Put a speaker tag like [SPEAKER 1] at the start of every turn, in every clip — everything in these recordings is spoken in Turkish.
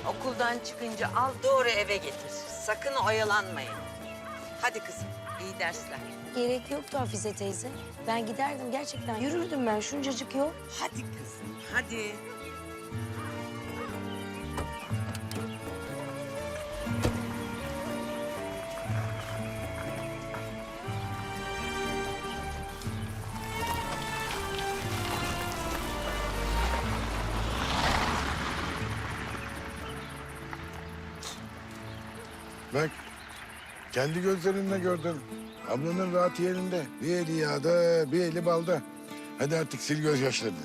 [SPEAKER 1] Okuldan çıkınca al doğru eve getir. Sakın oyalanmayın. Hadi kızım, iyi dersler.
[SPEAKER 2] Gerek yoktu Hafize teyze. Ben giderdim gerçekten. Yürürdüm ben şuncacık yol.
[SPEAKER 1] Hadi kızım, hadi.
[SPEAKER 3] Bak, kendi gözlerinle gördün. Ablanın rahat yerinde. Bir eli yağda, bir eli balda. Hadi artık sil gözyaşlarını.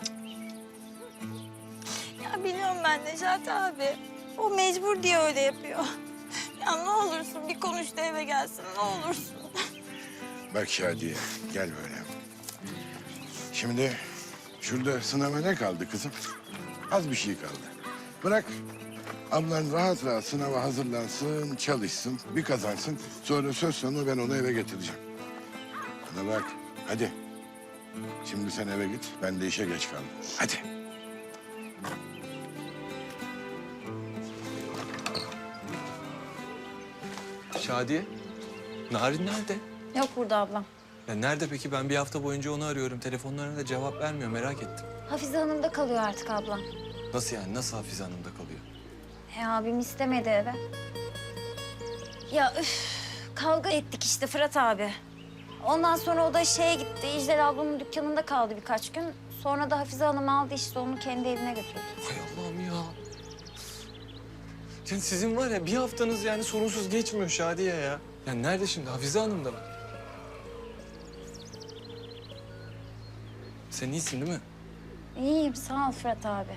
[SPEAKER 4] Ya biliyorum ben Necati abi. O mecbur diye öyle yapıyor. Ya ne olursun bir konuş da eve gelsin ne olursun.
[SPEAKER 3] Bak Şadiye, gel böyle. Şimdi şurada sınava ne kaldı kızım? Az bir şey kaldı. Bırak ablan rahat rahat sınava hazırlansın, çalışsın, bir kazansın. Sonra söz sonu ben onu eve getireceğim. Bana bak, hadi. Şimdi sen eve git, ben de işe geç kaldım. Hadi.
[SPEAKER 5] Şadiye, Narin nerede?
[SPEAKER 4] Yok burada ablam.
[SPEAKER 5] Ya nerede peki? Ben bir hafta boyunca onu arıyorum. Telefonlarına da cevap vermiyor. Merak ettim.
[SPEAKER 6] Hafize Hanım'da kalıyor artık ablam.
[SPEAKER 5] Nasıl yani? Nasıl Hafize Hanım'da kalıyor?
[SPEAKER 6] Abim istemedi eve. Ya kavga ettik işte Fırat abi. Ondan sonra o da şeye gitti. İclal ablamın dükkanında kaldı birkaç gün. Sonra da Hafize Hanım aldı işte onu kendi evine götürdü.
[SPEAKER 5] Hay Allah'ım ya. Yani sizin var ya bir haftanız yani sorunsuz geçmiyor Şadiye ya. Yani nerede şimdi? Hafize Hanım'da mı? Sen iyisin değil mi?
[SPEAKER 6] İyiyim sağ ol Fırat abi.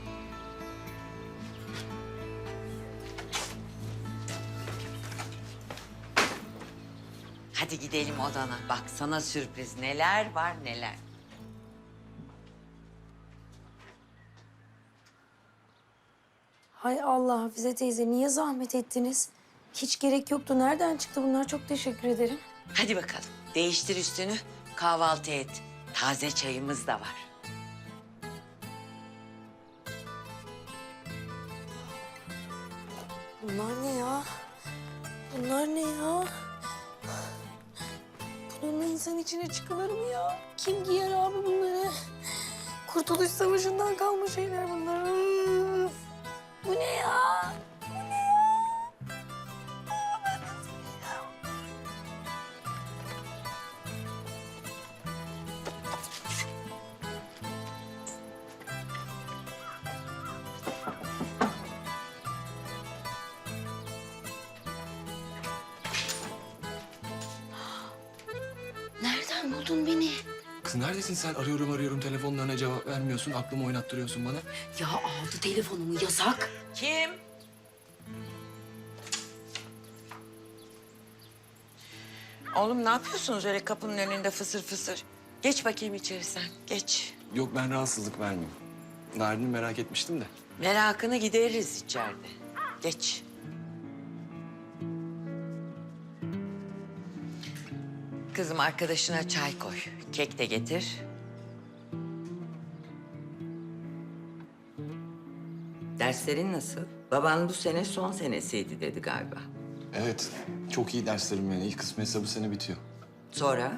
[SPEAKER 1] Hadi gidelim odana. Bak sana sürpriz neler var neler.
[SPEAKER 2] Hay Allah Hafize teyze niye zahmet ettiniz? Hiç gerek yoktu. Nereden çıktı bunlar? Çok teşekkür ederim.
[SPEAKER 1] Hadi bakalım. Değiştir üstünü. Kahvaltı et. Taze çayımız da var.
[SPEAKER 2] Bunlar ne ya? Bunlar ne ya? Bununla insan içine çıkılır mı ya? Kim giyer abi bunları? Kurtuluş Savaşı'ndan kalma şeyler bunlar. Üf! Bu ne ya? Bu ne ya? Aa, ben nasıl giyeceğim? Nereden buldun beni?
[SPEAKER 5] Kız neredesin sen? Arıyorum telefonlarına cevap vermiyorsun. Aklımı oynattırıyorsun bana.
[SPEAKER 2] Ya aldı telefonumu yasak.
[SPEAKER 1] Kim? Oğlum ne yapıyorsunuz öyle kapının önünde fısır fısır? Geç bakayım içeri sen, geç.
[SPEAKER 5] Yok ben rahatsızlık vermeyeyim. Narin'i merak etmiştim de.
[SPEAKER 1] Merakını gideririz içeride. Geç. Kızım arkadaşına çay koy. Kek de getir. Derslerin nasıl? Baban bu sene son senesiydi dedi galiba.
[SPEAKER 5] Evet, çok iyi derslerim yani. İlk kısmı hesabı sene bitiyor.
[SPEAKER 1] Sonra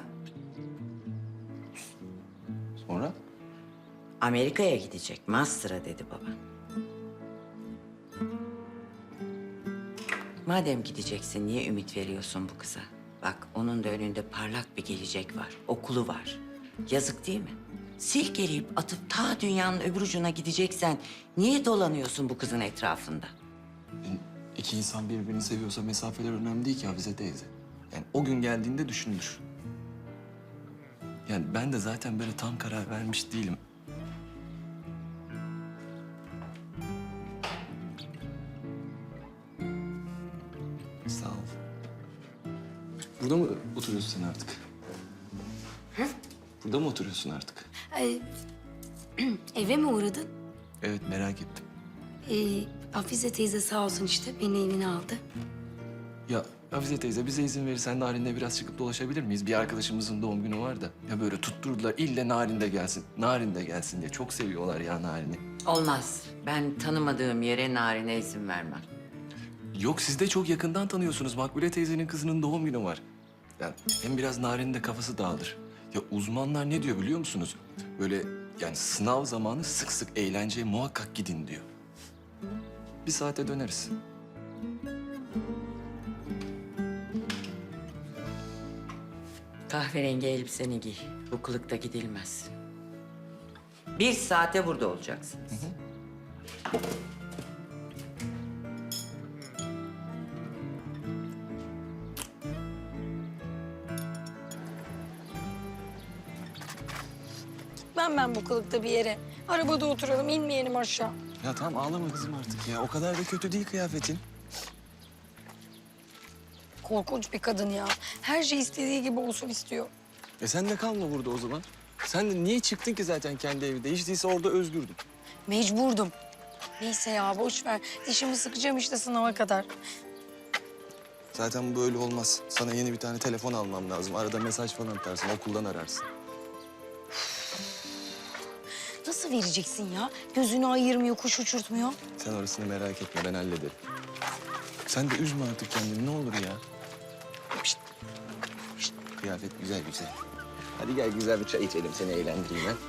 [SPEAKER 5] Sonra?
[SPEAKER 1] Amerika'ya gidecek. Master'a dedi baban. Madem gideceksin niye ümit veriyorsun bu kıza? Bak onun da önünde parlak bir gelecek var. Okulu var. Yazık değil mi? Silkeleyip atıp ta dünyanın öbür ucuna gideceksen niye dolanıyorsun bu kızın etrafında?
[SPEAKER 5] İki insan birbirini seviyorsa mesafeler önemli değil ki Hafize teyze. Yani o gün geldiğinde düşünülür. Yani ben de zaten böyle tam karar vermiş değilim. Sağ ol. Burada mı oturuyorsun sen artık?
[SPEAKER 2] Hı?
[SPEAKER 5] Burada mı oturuyorsun artık?
[SPEAKER 2] Eve mi uğradın?
[SPEAKER 5] Evet merak ettim.
[SPEAKER 2] Hafize teyze sağ olsun işte beni evine aldı.
[SPEAKER 5] Ya Hafize teyze bize izin verirsen Narin'le biraz çıkıp dolaşabilir miyiz? Bir arkadaşımızın doğum günü var da. Ya böyle tutturdular ille Narin de gelsin. Narin de gelsin diye. Çok seviyorlar ya Narin'i.
[SPEAKER 1] Olmaz. Ben tanımadığım yere Narin'e izin vermem.
[SPEAKER 5] Yok siz de çok yakından tanıyorsunuz. Makbule teyzenin kızının doğum günü var. Yani hem biraz Narin'in de kafası dağılır. Ya uzmanlar ne diyor biliyor musunuz? Böyle yani sınav zamanı sık sık eğlenceye muhakkak gidin diyor. Bir saate döneriz.
[SPEAKER 1] Kahverengi elbiseni giy. Bu kılıkta gidilmez. 1 saate burada olacaksınız.
[SPEAKER 2] Ben bu kılıkta bir yere. Arabada oturalım, inmeyelim aşağı.
[SPEAKER 5] Ya tamam ağlama kızım artık ya. O kadar da kötü değil kıyafetin.
[SPEAKER 2] Korkunç bir kadın ya. Her şey istediği gibi olsun istiyor.
[SPEAKER 5] Sen de kalma burada o zaman. Sen de niye çıktın ki zaten kendi evinde? Hiç değilse orada özgürdün.
[SPEAKER 2] Mecburdum. Neyse ya boş ver. Dişimi sıkacağım işte sınava kadar.
[SPEAKER 5] Zaten bu böyle olmaz. Sana yeni bir tane telefon almam lazım. Arada mesaj falan atarsın, okuldan ararsın.
[SPEAKER 2] Nasıl vereceksin ya? Gözünü ayırmıyor, kuş uçurtmuyor.
[SPEAKER 5] Sen orasını merak etme, ben hallederim. Sen de üzme artık kendini, ne olur ya. Şişt. Şişt. Kıyafet güzel güzel. Hadi gel güzel bir çay içelim, seni eğlendireyim ben.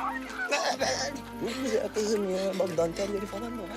[SPEAKER 5] Ne güzel kızım ya. Bak dantelleri falan da var.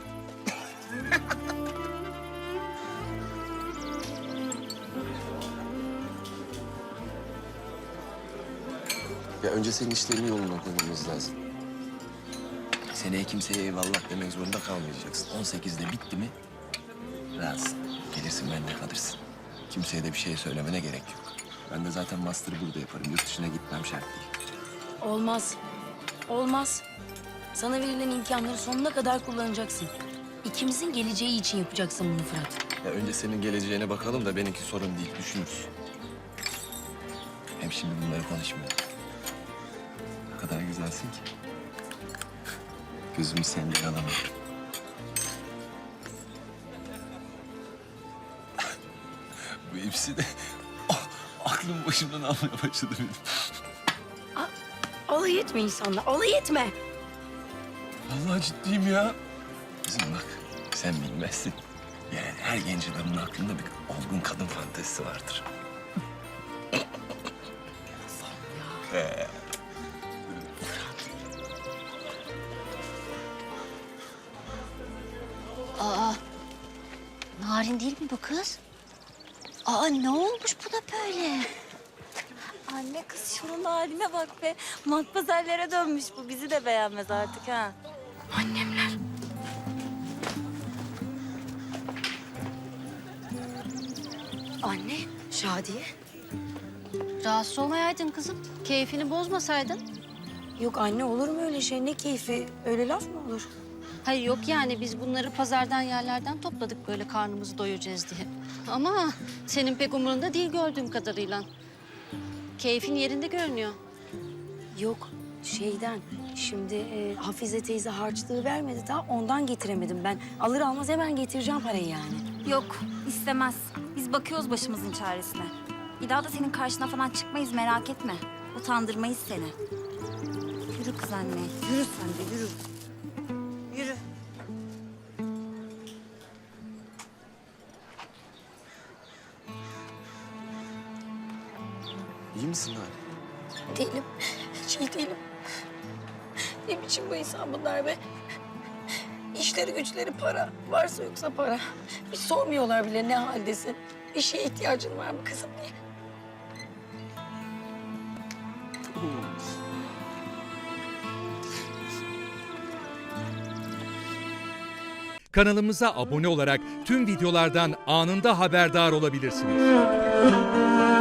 [SPEAKER 5] Ya önce senin işlerini yoluna koymamız lazım. Seneye kimseye eyvallah demek zorunda kalmayacaksın. 18'de bitti mi rahatsın. Gelirsin benimle kalırsın. Kimseye de bir şey söylemene gerek yok. Ben de zaten master'ı burada yaparım. Yurt dışına gitmem şart değil.
[SPEAKER 2] Olmaz. Olmaz. Sana verilen imkanları sonuna kadar kullanacaksın. İkimizin geleceği için yapacaksın bunu Fırat.
[SPEAKER 5] Ya önce senin geleceğine bakalım da benimki sorun değil. Düşünürüz. Hem şimdi bunları konuşmayalım. Ne kadar güzelsin ki. Gözümü senden alamıyorum. Bu hepsi de aklım başımdan almaya başladı benim.
[SPEAKER 2] Alay etme insanla, alay etme.
[SPEAKER 5] Vallahi ciddiyim ya. Kızım bak sen bilmezsin. Yani her genç adamın aklında bir olgun kadın fantezisi vardır.
[SPEAKER 6] Narin değil mi bu kız? Aa ne olmuş bu da böyle?
[SPEAKER 4] Anne kız şunun haline bak be. Matpazarlara dönmüş bu. Bizi de beğenmez artık ha.
[SPEAKER 2] Annemler. Anne, Şadiye.
[SPEAKER 7] Rahatsız olmayaydın kızım. Keyfini bozmasaydın.
[SPEAKER 2] Yok anne olur mu öyle şey? Ne keyfi? Öyle laf mı olur?
[SPEAKER 7] Hayır yok yani biz bunları pazardan yerlerden topladık böyle karnımızı doyuracağız diye. Ama senin pek umurunda değil gördüğüm kadarıyla. Keyfin yerinde görünüyor.
[SPEAKER 2] Yok şeyden. Şimdi Hafize teyze harçlığı vermedi daha ondan getiremedim ben. Alır almaz hemen getireceğim parayı yani.
[SPEAKER 6] Yok istemez. Biz bakıyoruz başımızın çaresine. Bir daha da senin karşına falan çıkmayız merak etme. Utandırmayız seni. Yürü kız anne. Yürü sen de yürü. Yürü.
[SPEAKER 5] İyi misin Narin?
[SPEAKER 2] Değilim. Hiç iyi değilim. Ne biçim bu insan bunlar be? İşleri güçleri para. Varsa yoksa para. Hiç sormuyorlar bile ne haldesin. Bir şeye ihtiyacın var mı kızım diye.
[SPEAKER 8] Kanalımıza abone olarak tüm videolardan anında haberdar olabilirsiniz.